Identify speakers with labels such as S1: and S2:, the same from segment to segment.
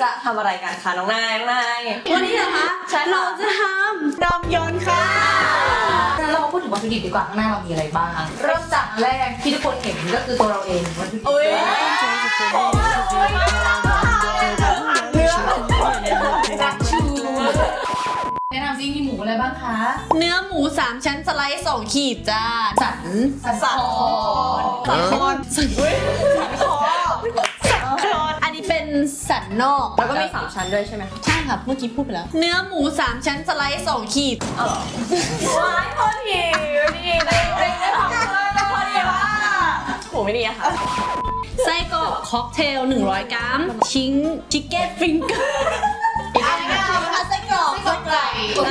S1: จะทำอะไรกันคะน้องนาย
S2: วันนี้เหรอคะเราจะทำรำยอนค่ะ
S3: งั้นเรามาพูดถึงวัตถุดิบดีกว่าข้างหน้าเรามีอะไรบ้างเริ่มจากแรกที่ทุกคนเห็นก็คือตัวเราเองวัตถุดิบแนะนำซิมีหมูอะไรบ้างคะ
S2: เนื้อหมู3ชั้นสไลด์2ขีดจ้าสันคออันนี้เป็นสันนอก
S1: แล้วก็มี3ชั้นด้วยใช่ไหมคะ
S2: ใช่ค่ะเมื่อกี้พูดไปแล้วเนื้อหมู3ชั้นสไลด์2ขีด
S1: ว้ายพอดีนี่ได้ทำเลยพอดีว่าหูไม่ดีอะค่ะ
S2: ไส้กรอกค็อกเทล100 กรัมชิคเก้นฟิงเกอร์ไส้กรอก
S3: ไก่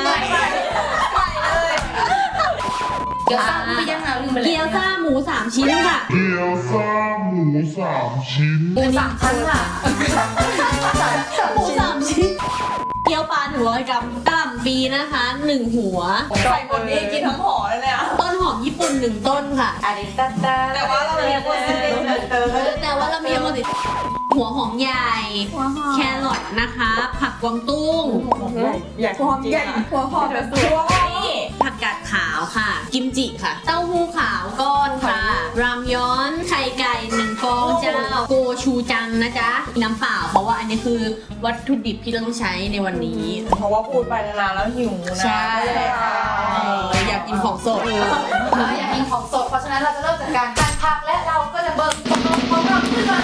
S3: เลยเกี๊ยวซ่าไม่ยังลืมไปเลย
S2: เกี๊ยวซ่าหมู3ชิ้นค่ะ
S4: เกี๊ยวซ่าหมู3 ชิ้น
S3: หมู3 ชั้นค่ะ
S2: หมู3 ชิ้นเกี๊ยวปลา100 กรัมกะหล่ำปีนะคะ1 หัว
S1: ใส่หมดนี่กินทั้งห่อเลยอ่ะ
S2: ต้นหอมญี่ปุ่น1 ต้นค่ะ
S1: แต่ว่าเราเรียกว่า
S2: แต่ว่าเรามีหมดหัวหอมใหญ่แครอทนะคะผักกวางตุ้ง
S1: ใหญ่หัวหอมใหญ่หัวหอมแบบตัว
S2: ผักกาดขาวค่ะกิมจิค่ะเต้าหู้ขาวก้อนค่ะรามย้อนไข่ไก่1 ฟองเจ้าโกชูจังนะจ๊ะน้ำเปล่าเพราะว่าอันนี้คือวัตถุดิบที่เราต้องใช้ในวันนี้
S1: เพราะว่าพูดไปนานๆแล้วหิวนะ
S2: ใช่อยากกินของสด
S3: อยากกินของสดเพราะฉะนั้นเราจะเริ่มจากการหั่นผักและเราก็จะเบิกของเราขึ้นมา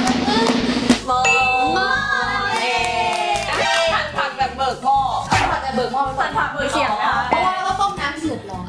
S1: หั่นผักแบบเบิกหม้อ
S3: หั่นผักแบบเบิกหม้อ
S1: หั่นผักเบิกเขียงนะคะ
S3: เพราะว่าเราต้มน้ำเดือดร้อน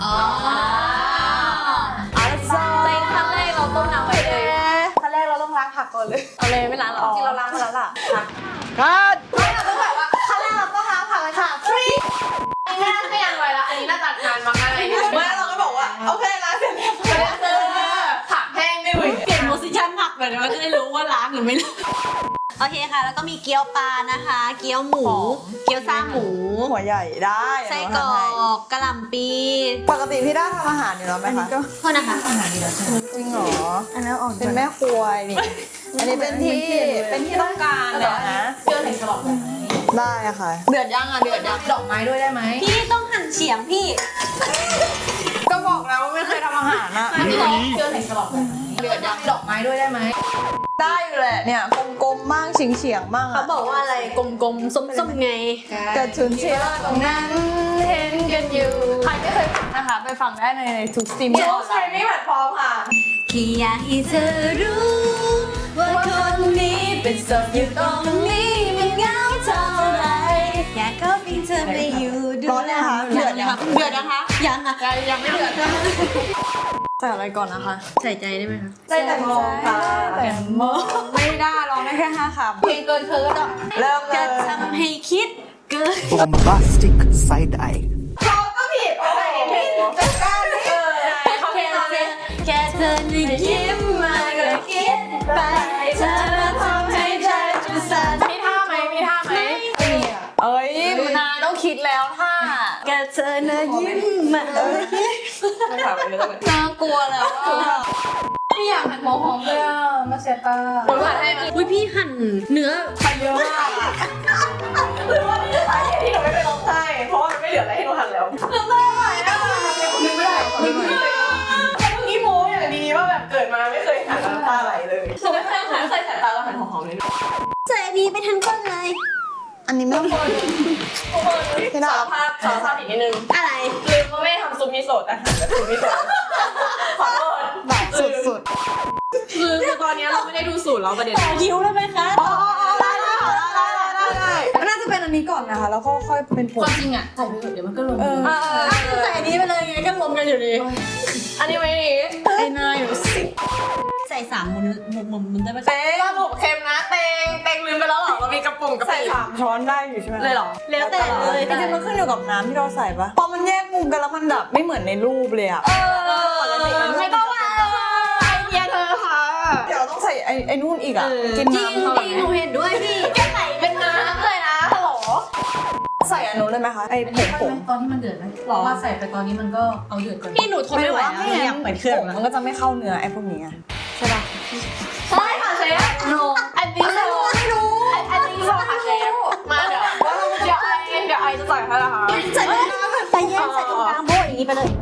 S1: ในขั้นแรกเราต้มน้ำไปเลย
S3: ขั้นแรกเราต้องล้างผักก่อนเลย
S1: เอาเลยไม่ล้างหรอ
S3: จริงเราล้างมาแล้วล่ะ
S1: ครับ
S3: ไม่เราต้องแบบว่าขั้นแรกเราต้องล้างผักเลยค่ะฟรีอันนี้ไม่ยังไวละอันนี้น่าจะนานมากอะไร
S1: ไม่เราก็บอกว่าโอเคล้างเสร็จแล้ว
S3: ผักแห้งไม่ไหว
S2: เปลี่ยนโพสิชันผักเลยเราจะได้รู้ว่าล้างหรือไม่ล้างโอเคค่ะแล้วก็มีเกี๊ยวปลานะคะเกี๊ยวหมูเกี๊ยวซ่าหมู
S1: หัวใหญ่ได้
S2: ไส้กรอกกะหล่ำปี
S1: ปกติพี่ได้ทำอาหารอยู่แล้วไหมคะ
S2: โทษนะคะอาหารดีแล้ว
S1: จริงเหรออันนั้นออกเป็นแม่ครัวนี่อันนี้เป็นที่ต้องการเลยนะ
S3: เชื่อในฉลอง
S1: ได้ค่ะเดือดยังเดือดยัง
S3: ดอกไม้ด้วยได้ไหม
S2: พี่ต้องหั่นเฉียงพี่
S1: ก็บอกแล้วว่าไม่เคยทำอาหารนะ
S3: เชื่อในฉลองเดือดยังดอกไม้ด้วยได้ไหม
S1: ได้อยู่แหละเนี่ยกลมๆบ้างเฉียงๆบ้าง
S2: เขาบอกว่าอะไรกลมๆส้มๆไง
S1: กระชุนเชียร์ตรงนั้นเห็นกันอยู่ใครไม่เคยฟังนะคะไปฟังได้ในทุกสตรีมใช่ไม่แพลตฟอร์มค่ะ
S2: แค่อยากให้เธอรู้ว่าคนนี้เป็นศพอยู่ตรงนี้มันเหงาเท่าไรอยากเข้าพิงเธอไปอยู่ด้วย
S1: เดือดนะคะ
S2: ยังอ่ะ
S1: ยังไม่เดือดใส่อะไรก่อนนะคะ
S2: ใส่ใจได้ไหมคะ
S1: ใส่แต่มองค่ะแต่มองไม่ได้ร้องได้แค่5 คำ
S3: เพลงเกินเธอก็
S1: เริ่มเลย
S2: จะทำให้คิดเกิน
S5: bombastic side eye
S1: เขาก็ผิดโอ้ยผิดจัดการ
S2: แค่เธอนึกยิ้มมาก็คิดไปเธอทำให้ใจจะสั่น
S1: มีท่าไหมเอ้ยนายต้องคิดแล้วท่า
S2: แค่เธอนึกยิ้มมา
S1: ไม่ถามเลย
S2: น่ากลัวแล้ว
S3: พี่อยากหั่นหัวหอมด้วยอ่ะมาเสียตา
S1: ผมหั่นให้
S2: อุ้ยพี่หั่นเนื้อ
S1: เยอะมากหรือว่านี่จะสาเหตุที่หนูไม่ไปร้องไห้เพราะว่ามันไม่เหลืออะไรให้หนูหั่นแล้ว
S3: นึกไม่ได้นึกไม่ได้
S1: เมื่อกี้โม้อย่างดีว่าแบบเกิดมาไม่เคยหั่นน้ำตาไหลเลยหนูไม่เคยใส่ตาแล้วหั่นหอมเลย
S2: ใส่ดีไปทั้งก้นเลย
S1: อันนี้ไม่ต้องสารภาพอีกนิดนึง
S2: อะไร
S1: ลืมว่าแม่ทำซุปมิโซะแต่หั่นแบบซุปมิโซะขอโทษแบบสุดคือตอนนี้เราไม่ได้ดูสูตรแล้วประเด็น
S2: คิ้วได้ไหมคะ
S1: ได้น่าจะเป็นอันนี้ก่อนนะคะแล้วก็ค่อยเป็นผง
S3: ความจริงอ่ะใส่ไปเถอะเดี๋ยวมันก็ลง
S2: ใส่อันนี้ไปเลยไงก็รวมกันอยู่ดี
S1: อันนี้ไม่ดีไอ้นายอยู่สิ
S2: ใส่3 มุมได้ไหม
S1: เต้สรุปเค็มนะเต็งลืมไปแล้วหรอเรามีกระป๋องใส่3 ช้อนได้อยู่ใช่ไหม
S2: เลยหรอแล้วแต่เลย
S1: จริงๆมันขึ้นอยู่กับน้ำที่เราใส่ปะพอมันแยกมุมกันแล้วมันแบบไม่เหมือนในรูปเลยอะ
S2: ไม่ต้องไอเดียเธอค่ะ
S1: เดี๋ยวต้องใส่ไอ้นู่นอีกอะ
S2: กินน้ำจริงหนูเห็นด้วยพี่แค่ใส่เป็นน้ำเลยนะฮัลโหล
S1: ใส่อันนู้นเลยไหมคะไอ้ผง
S3: ตอนที่มันเดือดไหมเพราะว่าใส่ไปตอนนี้มันก็เอาเดือดก่อน
S2: พี่หนูทนไม่ไหวแล้วอยากเปิดเครื่อง
S1: มันก็จะไม่เข้าเนื้อไอ้พวกนี้ใช่ปะ
S3: ใช่ค่ะเชฟ
S2: โน
S3: อันนี้ไม่รู้อันนี้ค่ะเชฟ
S1: จะใส่ให้นะคะ
S2: ใส่ไปใส่แยกใส่ตรงกลางโบอย่างนี้ไปเลย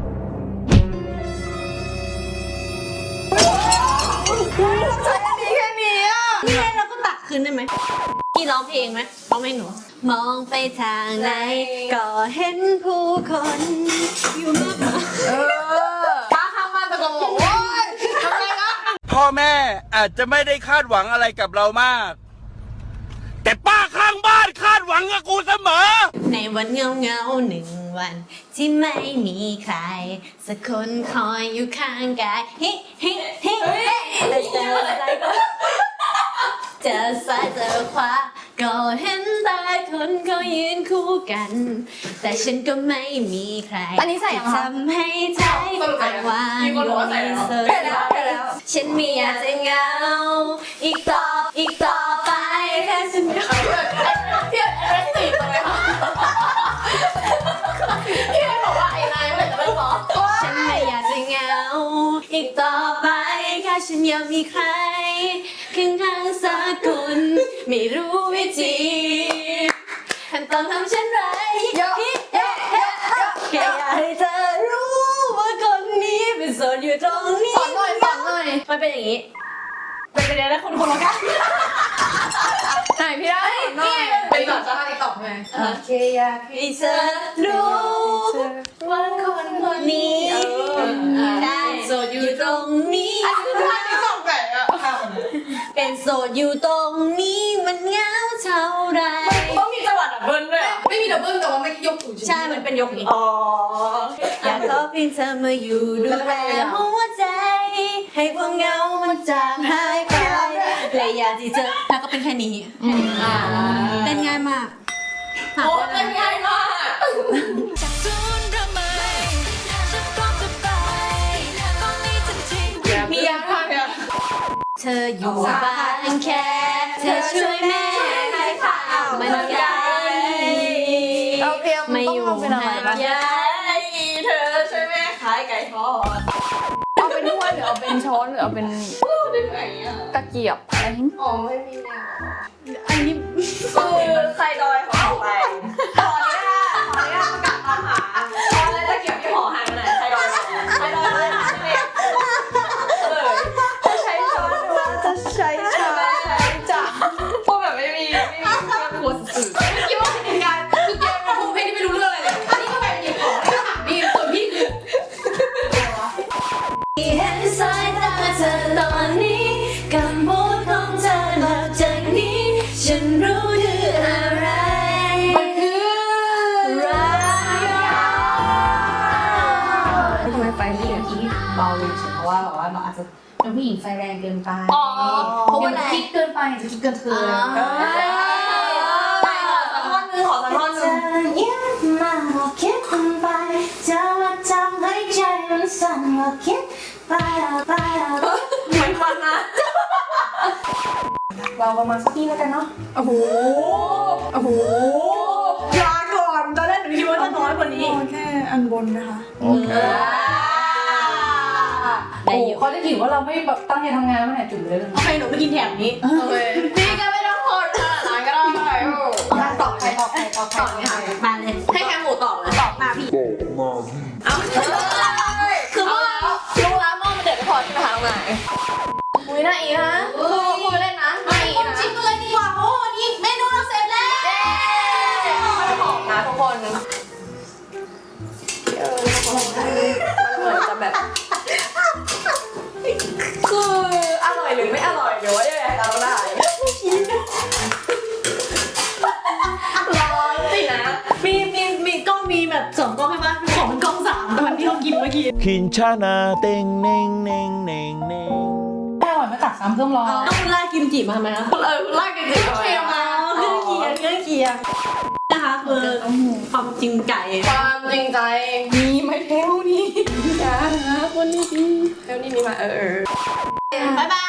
S2: ใส่อันนี้แค่นี้อ่ะนี่ไงเราก็ตักคืนได้ไหมพี่ร้องเพลงไหมร้องเพลงหนูมองไปทางไหนก็เห็นผู้คนอยู่มากมาย
S1: ป้าข้างบ้านตะโกนบอกโอ๊ยทำไมนะ
S6: พ่อแม่อาจจะไม่ได้คาดหวังอะไรกับเรามาก แต่ป้าข้างบ้านคาดหวังกับกูเสมอ
S2: ในวันเงาเงาหนึ่งวัน ที่ไม่มีใคร สักคนคอยอยู่ข้างกายฮิฮิฮิแต่เจออะไรก็เจอซ้ายเจอขวาก็เห็นแต่คนเขายืนคู่กัน แต่ฉันก็ไม่มีใคร
S3: อันนี้ใส่ยังคะ
S2: ทำให้ใจอ่างวางอยู่ในเสื้อฉันไม่อยากจะเหงาอีกต่อไปแค่ฉันไม่
S1: พี่เอสตีทำไมคะพี่บอกว่าไอ้นายเมื่อไหร่จะเป็นบอส
S2: ฉันไม่อยากจะเหงาอีกต่อไปแค่ฉันอยากมีใครข้างๆสักคนไม่รู้วิธีขั้นตอนทำเช่นไรแค่อยากให้เธอรู้ว่าคนนี้เป็นโสดอยู่ตรงนี้
S1: สอนหน่อย
S2: มันเป็นอย่างนี้
S1: เป็นไปได้คนละกันไหนพี่ได้นี่เป็นแบบสภาพติ๊กต็อกใช่ไหม
S2: แค่อยากให้เธอรู้ว่าคนนี้ได้โสดอยู่ตรงนี้
S1: สภาพติ๊กต็อกแบบอ่ะ
S2: เป็นโสดอยู่ตรงนี้มันเหงาเท่าไร
S1: ต้องมีจังหวะดับเบิ้ลด้วยไม่มีดับเบิ้ลแต่ว่าไม่ยกสูง
S2: ใช่ มันเป็นยกนี้
S1: อ๋อ
S2: อยากขอเพียงเธอมาอยู่ดูแลหัวใจ ให้ความเหงามันจางหายไปและอยากที่เธอแล้วก็เป็นแค่นี้เป็นง่ายมาก
S1: โอ้เป็นง่ายมาก
S2: มียัง
S1: มากเนี่ย
S2: เธออยู่บ้านแค่เธอช่วยแม่ให้ข้าวมันไก่
S3: เราเตรียม
S2: ไม่อยู่
S3: ต้องเอาเป็นอะไรบ้าง
S2: ห่างไกล
S1: เธอช่วยแม่ขายไก่ทอด
S3: เอาเป็นถ้วยหรือเอาเป็นช้อนหรือเอาเป็น
S1: ได้ไหมอ่ะ
S3: ตะเกียบอะไรนี่
S1: อ๋อไม่มีแนว
S2: อันนี้
S1: คือใครดอยของเราไปขออนุญาตประกาศตามหาตอนแรกตะเกียบที่หอหายไปไหนใครดอยเลยหาไม่เลยเลยจะใช้ช้อนหรือว่าจะใช้ชามจ้ะพวกแบบไม่มีเครื่องครัวสื่อคิดว่าเป็นการคือแกเป็นผู้เพศที่ไม่รู้เรื่องอะไรเลยอันนี้ก็แบบหยิบของให้ถามพี่ส่วนพี่คือ
S2: เห็นสายตาเธอตอนนี้คำพูดของเธอหลังจากนี้ ฉันรู้คืออะไร
S1: มันคือรัก
S3: ทำไมไฟพี่อย่างนี้เบาลงเพราะว่าแบบว่าเราอาจจะเป็นผู้หญิงไฟแรงเกินไป
S1: อ๋อ
S3: เพราะว่าคิดเกินไปจะคิดเกินเธอ
S1: ไปขอสักท่อนนึงขอสักท่อนนึง
S2: เย็นมาบอกคิดไปจะมาทำให้ใจมันสั่นบอกคิดไป
S1: เหมือนมันนะ
S3: เราประมาณสักที่แล้วกันเนาะ
S1: โอ้โหลาก่อนตอนแรกหนูคิดว่าจะน้อยกว่านี้
S3: แค่อันบนนะคะ
S6: โอเค
S3: โอ้เขาจะถือว่าเราไม่แบบตั้งใจทำงานไม่ไหนจุดเลยเลย
S2: โอเคหนูไปกินแถมนี้
S1: โอเคพี่ก็ไม่ต้องโทษขนาดนั้นก็ได้
S3: ตอบใคร
S2: เนี่ยมาเลย
S1: ให้แค่หมูตอบเลยตอบมาพี่ เอาคือเมื่อรู้แล้วมองมันเด็ดไม่พอใช่ไหมคะน้องนายอุ้ยน่าอีฮะพูดเล่นนะน่าอีนะชิมกันเลยดีกว่าโอ้นี่เมนูเราเสร็จแล้วมันหอมนะทุกคนมันเหมือนจะแบบคืออร่อยหรือไม่อร่อยหรือว่ายังไงเราได้ร้อนสินะ
S2: มีกล้องมีแบบสองกล้องใช่ปะของมันกล้องสามตอนที่เรากินเมื่อกี้
S6: คินชานาเต็งเน่งเน่งเน่งเน่ง
S3: แค่อร่อยไม่ตักซ้ำเพิ่มร้อน
S2: เอาคุณลากิมจิมาทำไมคะ
S1: ลากกันจริงๆ
S2: เครื่องเคียงนะคะคือความจริงใจ
S1: ความจริงใจ
S3: มีไม่เท่านี้
S1: อย่าหาคนนี้ดีเท่านี้มีมาบ๊ายบาย